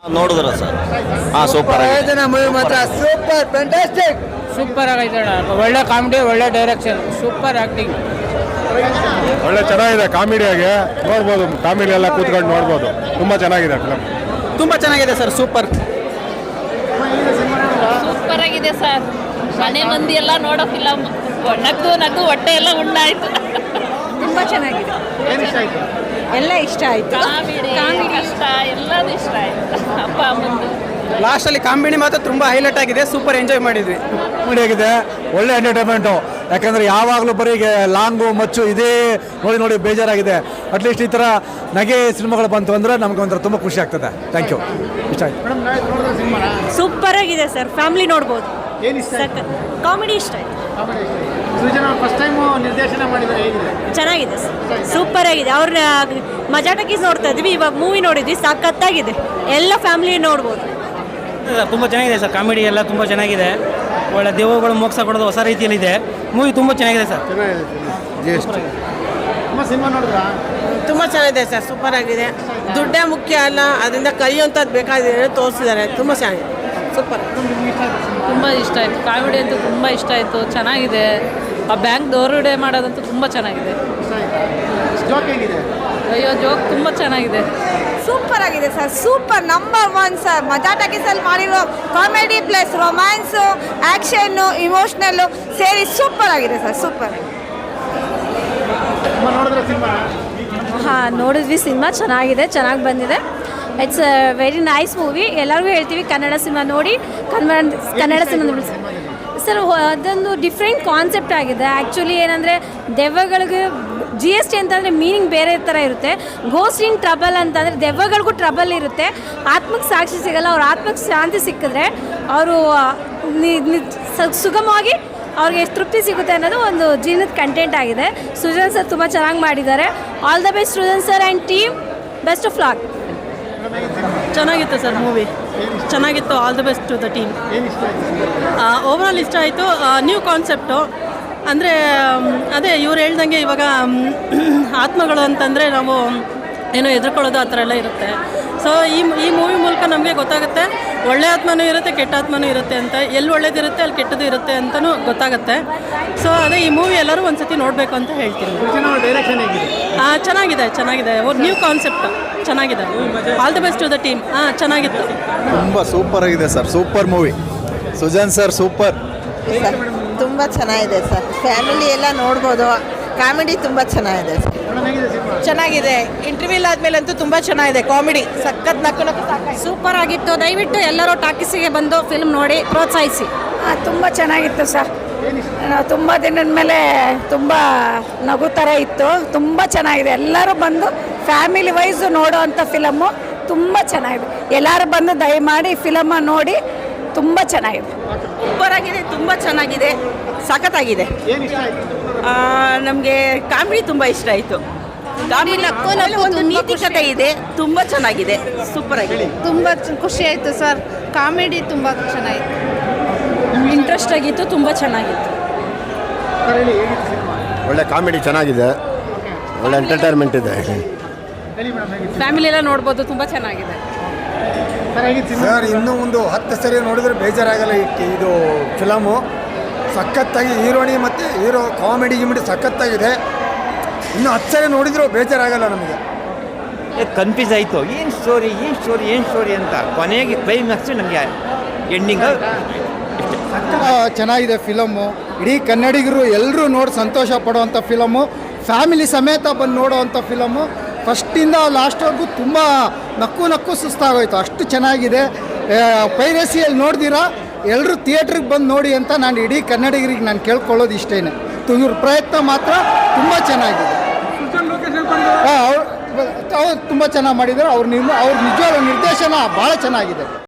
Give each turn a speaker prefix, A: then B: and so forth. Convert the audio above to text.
A: ನೋಡಿದ್ರ ಸರ್? ಹಾಂ, super
B: movie ಮಾತ್ರ ಸೂಪರ್ ಫ್ಯಾಂಟಾಸ್ಟಿಕ್.
C: ಸೂಪರ್ ಆಗೈತೆ ಅಣ್ಣ. ಒಳ್ಳೆ ಕಾಮಿಡಿ, ಒಳ್ಳೆ ಡೈರೆಕ್ಷನ್, ಸೂಪರ್ ಆ್ಯಕ್ಟಿಂಗ್.
D: ಒಳ್ಳೆ ಚೆನ್ನಾಗಿದೆ, ಕಾಮಿಡಿಯಾಗಿ ನೋಡ್ಬೋದು. ಕಾಮಿಡಿ ಎಲ್ಲ ಕೂತ್ಕೊಂಡು ನೋಡ್ಬೋದು. ತುಂಬ ಚೆನ್ನಾಗಿದೆ ಫಿಲಮ್.
B: ತುಂಬ ಚೆನ್ನಾಗಿದೆ ಸರ್, ಸೂಪರ್.
E: ಸೂಪರ್ ಆಗಿದೆ ಸರ್. ಮನೆ ಮಂದಿ ಎಲ್ಲ ನೋಡೋ ಫಿಲಮ್. ನಗು ನಗು ಹೊಟ್ಟೆ ಎಲ್ಲ ಉಣ್ಣಾಯ್ತು.
F: ತುಂಬ ಚೆನ್ನಾಗಿದೆ. ಎಲ್ಲ ಇಷ್ಟ ಆಯ್ತು.
E: ಕಾಮಿಡಿ ಕಷ್ಟ ಎಲ್ಲದೂ ಇಷ್ಟ ಆಯ್ತು. ಅಪ್ಪ ಅಮ್ಮಂದು
B: ಲಾಸ್ಟಲ್ಲಿ ಕಾಮಿಡಿ ಮಾತ್ರ ತುಂಬ ಹೈಲೈಟ್ ಆಗಿದೆ. ಸೂಪರ್ ಎಂಜಾಯ್ ಮಾಡಿದ್ವಿ.
D: ಕಾಮಿಡಿ ಆಗಿದೆ, ಒಳ್ಳೆ ಎಂಟರ್ಟೈನ್ಮೆಂಟು. ಯಾಕಂದರೆ ಯಾವಾಗಲೂ ಬರೀ ಲಾಂಗು ಮಚ್ಚು ಇದೇ ನೋಡಿ ನೋಡಿ ಬೇಜಾರಾಗಿದೆ. ಅಟ್ಲೀಸ್ಟ್ ಈ ಥರ ನಗೆ ಸಿನಿಮಾಗಳು ಬಂತು ಅಂದರೆ ನಮ್ಗೆ ಒಂಥರ ತುಂಬ ಖುಷಿ ಆಗ್ತದೆ. Thank you. ಇಷ್ಟ ಆಯ್ತು.
F: ಸೂಪರ್ ಆಗಿದೆ ಸರ್, ಫ್ಯಾಮಿಲಿ ನೋಡ್ಬೋದು. ಕಾಮಿಡಿ ಇಷ್ಟ ಆಯ್ತು. ಚೆನ್ನಾಗಿದೆ ಸರ್, ಸೂಪರ್ ಆಗಿದೆ. ಅವ್ರನ್ನ ಮಜಾ ಟಾಕೀಸ್ ನೋಡ್ತಾ ಇದ್ವಿ, ಇವಾಗ ಮೂವಿ ನೋಡಿದ್ವಿ, ಸಖತ್ತಾಗಿದೆ. ಎಲ್ಲ ಫ್ಯಾಮಿಲಿ ನೋಡ್ಬೋದು.
C: ತುಂಬ ಚೆನ್ನಾಗಿದೆ ಸರ್. ಕಾಮಿಡಿ ಎಲ್ಲ ತುಂಬ ಚೆನ್ನಾಗಿದೆ. ಒಳ್ಳೆ ದೇವಗಳು ಮೋಕ್ಷ ಕೊಡೋದು ಹೊಸ ರೀತಿಯಲ್ಲಿದೆ. ಮೂವಿ ತುಂಬ ಚೆನ್ನಾಗಿದೆ ಸರ್.
B: ತುಂಬ ಚೆನ್ನಾಗಿದೆ ಸರ್, ಸೂಪರ್ ಆಗಿದೆ. ದುಡ್ಡೇ ಮುಖ್ಯ ಅಲ್ಲ, ಅದರಿಂದ ಕಲಿಯುವಂಥದ್ದು ಬೇಕಾದ್ರೆ ತೋರಿಸಿದ್ದಾರೆ. ತುಂಬ ಚೆನ್ನಾಗಿದೆ, ಸೂಪರ್.
E: ತುಂಬ ಇಷ್ಟ ಆಯಿತು. ಕಾಮಿಡಿ ಅಂತೂ ತುಂಬ ಇಷ್ಟ ಆಯಿತು. ಚೆನ್ನಾಗಿದೆ. ಆ ಬ್ಯಾಂಕ್ ದೋರುಡೆ ಮಾಡೋದಂತೂ ತುಂಬ ಚೆನ್ನಾಗಿದೆ. ಅಯ್ಯೋ, ಜೋಕ್ ತುಂಬ ಚೆನ್ನಾಗಿದೆ.
F: ಸೂಪರ್ ಆಗಿದೆ ಸರ್, ಸೂಪರ್. Number 1 sir. ಮಜಾ ಟಾಕೀಸಲ್ಲಿ ಮಾಡಿರೋ ಕಾಮಿಡಿ ಪ್ಲಸ್ ರೊಮ್ಯಾನ್ಸು, ಆ್ಯಕ್ಷನ್ನು, ಇಮೋಷ್ನಲ್ಲು ಸೇರಿ ಸೂಪರ್ ಆಗಿದೆ ಸರ್, ಸೂಪರ್. ಹಾಂ, ನೋಡಿದ್ವಿ. ಸಿನಿಮಾ ಚೆನ್ನಾಗಿದೆ, ಚೆನ್ನಾಗಿ ಬಂದಿದೆ. It's a very nice movie. ಎಲ್ಲರಿಗೂ ಹೇಳ್ತೀವಿ ಕನ್ನಡ ಸಿನಿಮಾ ನೋಡಿ, ಕನ್ನಡ ಸಿನಿಮಾ ನೋಡಿ ಸರ್. ಅದೊಂದು ಡಿಫ್ರೆಂಟ್ ಕಾನ್ಸೆಪ್ಟ್ ಆಗಿದೆ. ಆ್ಯಕ್ಚುಲಿ ಏನಂದರೆ ದೆವ್ವಗಳಿಗೆ GST ಅಂತಂದರೆ ಮೀನಿಂಗ್ ಬೇರೆ ಥರ ಇರುತ್ತೆ. ಗೋಸ್ಟ್ ಇನ್ ಟ್ರಬಲ್ ಅಂತಂದರೆ ದೆವ್ವಗಳಿಗೂ ಟ್ರಬಲ್ ಇರುತ್ತೆ. ಆತ್ಮಕ್ಕೆ ಸಾಕ್ಷಿ ಸಿಗಲ್ಲ. ಅವ್ರ ಆತ್ಮಕ್ಕೆ ಶಾಂತಿ ಸಿಕ್ಕಿದ್ರೆ ಅವರು ಸುಗಮವಾಗಿ ಅವ್ರಿಗೆ ಎಷ್ಟು ತೃಪ್ತಿ ಸಿಗುತ್ತೆ ಅನ್ನೋದು ಒಂದು ಜೀವನದ ಕಂಟೆಂಟ್ ಆಗಿದೆ. ಸೃಜನ್ ಸರ್ ತುಂಬ ಚೆನ್ನಾಗಿ ಮಾಡಿದ್ದಾರೆ. All the best Srujan sir and team. Best of luck.
G: ಚೆನ್ನಾಗಿತ್ತು ಸರ್ ಮೂವಿ, ಚೆನ್ನಾಗಿತ್ತು. All the best to the team. Overall ಇಷ್ಟ ಆಯಿತು. ನ್ಯೂ ಕಾನ್ಸೆಪ್ಟು ಅಂದರೆ ಅದೇ ಇವ್ರು ಹೇಳ್ದಂಗೆ ಇವಾಗ ಆತ್ಮಗಳು ಅಂತಂದರೆ ನಾವು ಏನೋ ಎದುರ್ಕೊಳ್ಳೋದು ಆ ಥರ ಎಲ್ಲ ಇರುತ್ತೆ. ಸೊ ಈ ಮೂವಿ ಮೂಲಕ ನಮಗೆ ಗೊತ್ತಾಗುತ್ತೆ ಒಳ್ಳೆ ಆತ್ಮನೂ ಇರುತ್ತೆ, ಕೆಟ್ಟ ಆತ್ಮನೂ ಇರುತ್ತೆ ಅಂತ. ಎಲ್ಲಿ ಒಳ್ಳೇದಿರುತ್ತೆ ಅಲ್ಲಿ ಕೆಟ್ಟದ್ದು ಇರುತ್ತೆ ಅಂತಲೂ ಗೊತ್ತಾಗುತ್ತೆ. ಸೊ ಅದೇ ಈ ಮೂವಿ ಎಲ್ಲರೂ ಒಂದು ಸತಿ ನೋಡಬೇಕು ಅಂತ ಹೇಳ್ತೀನಿ. ಚೆನ್ನಾಗಿದೆ, ಚೆನ್ನಾಗಿದೆ. ನ್ಯೂ ಕಾನ್ಸೆಪ್ಟ್ ಚೆನ್ನಾಗಿದೆ. All the best to the team. ಚೆನ್ನಾಗಿತ್ತು.
H: ತುಂಬ ಸೂಪರ್ ಆಗಿದೆ sir, super movie. Sujan sir super.
F: ತುಂಬ ಚೆನ್ನಾಗಿದೆ ಸರ್, ಫ್ಯಾಮಿಲಿ ಎಲ್ಲ ನೋಡ್ಬೋದು. ಕಾಮಿಡಿ ತುಂಬ ಚೆನ್ನಾಗಿದೆ ಸರ್.
B: ಚೆನ್ನಾಗಿದೆ. ಇಂಟರ್ವ್ಯೂಲ್ ಆದಮೇಲೆ ಅಂತೂ ತುಂಬ ಚೆನ್ನಾಗಿದೆ. ಕಾಮಿಡಿ ಸಖತ್ ನಕ್ಕು
F: ಸೂಪರ್ ಆಗಿತ್ತು. ದಯವಿಟ್ಟು ಎಲ್ಲರೂ ಟಾಕೀಸಿಗೆ ಬಂದು ಫಿಲ್ಮ್ ನೋಡಿ ಪ್ರೋತ್ಸಾಹಿಸಿ. ತುಂಬ ಚೆನ್ನಾಗಿತ್ತು ಸರ್. ತುಂಬ ದಿನದ ಮೇಲೆ ತುಂಬ ನಗು ಥರ ಇತ್ತು. ತುಂಬ ಚೆನ್ನಾಗಿದೆ. ಎಲ್ಲರೂ ಬಂದು ಫ್ಯಾಮಿಲಿ ವೈಸು ನೋಡೋ ಅಂಥ ಫಿಲಮ್ಮು. ತುಂಬ ಚೆನ್ನಾಗಿದೆ. ಎಲ್ಲರೂ ಬಂದು ದಯಮಾಡಿ ಫಿಲಮ್ಮ ನೋಡಿ. ತುಂಬ ಚೆನ್ನಾಗಿದೆ.
B: ಸೂಪರ್ ಆಗಿದೆ, ತುಂಬ ಚೆನ್ನಾಗಿದೆ, ಸಖತ್ತಾಗಿದೆ. ನಮಗೆ ಕಾಮಿಡಿ ತುಂಬ ಇಷ್ಟ ಆಯಿತು. ಕಾಮಿಡಿ ಒಂದು ನೀತಿಕತೆ ಇದೆ, ತುಂಬ ಚೆನ್ನಾಗಿದೆ, ಸೂಪರ್ ಆಗಿದೆ.
F: ತುಂಬ ಖುಷಿ ಆಯಿತು ಸರ್. ಕಾಮಿಡಿ ತುಂಬ ಚೆನ್ನಾಗಿತ್ತು, ಇಂಟ್ರೆಸ್ಟ್ ಆಗಿತ್ತು, ತುಂಬ ಚೆನ್ನಾಗಿತ್ತು.
H: ಒಳ್ಳೆ ಕಾಮಿಡಿ ಚೆನ್ನಾಗಿದೆ, ಒಳ್ಳೆ ಎಂಟರ್ಟೈನ್ಮೆಂಟ್ ಇದೆ.
E: ಫ್ಯಾಮಿಲಿ ಎಲ್ಲ ನೋಡ್ಬೋದು. ತುಂಬ ಚೆನ್ನಾಗಿದೆ
D: ಸರ್. ಇನ್ನೂ ಒಂದು 10 ಸರಿ ನೋಡಿದ್ರೆ ಬೇಜಾರಾಗಲ್ಲ. ಇದು ಫಿಲಮು ಸಖತ್ತಾಗಿ ಹೀರೋಣಿ ಮತ್ತು ಹೀರೋ ಕಾಮಿಡಿ ಗಿಮಿಡಿ ಸಖತ್ತಾಗಿದೆ. ಇನ್ನೂ 10 ಸರಿ ನೋಡಿದ್ರು ಬೇಜಾರಾಗಲ್ಲ ನಮಗೆ.
A: ಕನ್ಫ್ಯೂಸ್ ಆಯಿತು. ಏನು ಸ್ಟೋರಿ ಅಂತ. ಕೊನೆಗೆ ಕ್ಲೈಮ್ಯಾಕ್ಸ್ ನಮಗೆ ಎಂಡಿಂಗ್
D: ಚೆನ್ನಾಗಿದೆ ಫಿಲಮ್ಮು. ಇಡೀ ಕನ್ನಡಿಗರು ಎಲ್ಲರೂ ನೋಡಿ ಸಂತೋಷ ಪಡುವಂಥ ಫಿಲಮ್ಮು. ಫ್ಯಾಮಿಲಿ ಸಮೇತ ಬಂದು ನೋಡೋವಂಥ ಫಿಲಮ್ಮು. ಫಸ್ಟಿಂದ ಲಾಸ್ಟ್ವರೆಗೂ ತುಂಬ ನಕ್ಕು ಸುಸ್ತಾಗೋಯ್ತು, ಅಷ್ಟು ಚೆನ್ನಾಗಿದೆ. ಪೈರಸಿಯಲ್ಲಿ ನೋಡ್ದಿರಾ ಎಲ್ಲರೂ ಥಿಯೇಟ್ರಿಗೆ ಬಂದು ನೋಡಿ ಅಂತ ನಾನು ಇಡೀ ಕನ್ನಡಿಗರಿಗೆ ನಾನು ಕೇಳ್ಕೊಳ್ಳೋದು ಇಷ್ಟೇ. ಇವ್ರ ಪ್ರಯತ್ನ ಮಾತ್ರ ತುಂಬ ಚೆನ್ನಾಗಿದೆ. ಅವ್ರು ತುಂಬ ಚೆನ್ನಾಗಿ ಮಾಡಿದ್ದಾರೆ. ಅವ್ರ ನಿಜವಾದ ನಿರ್ದೇಶನ ಭಾಳ ಚೆನ್ನಾಗಿದೆ.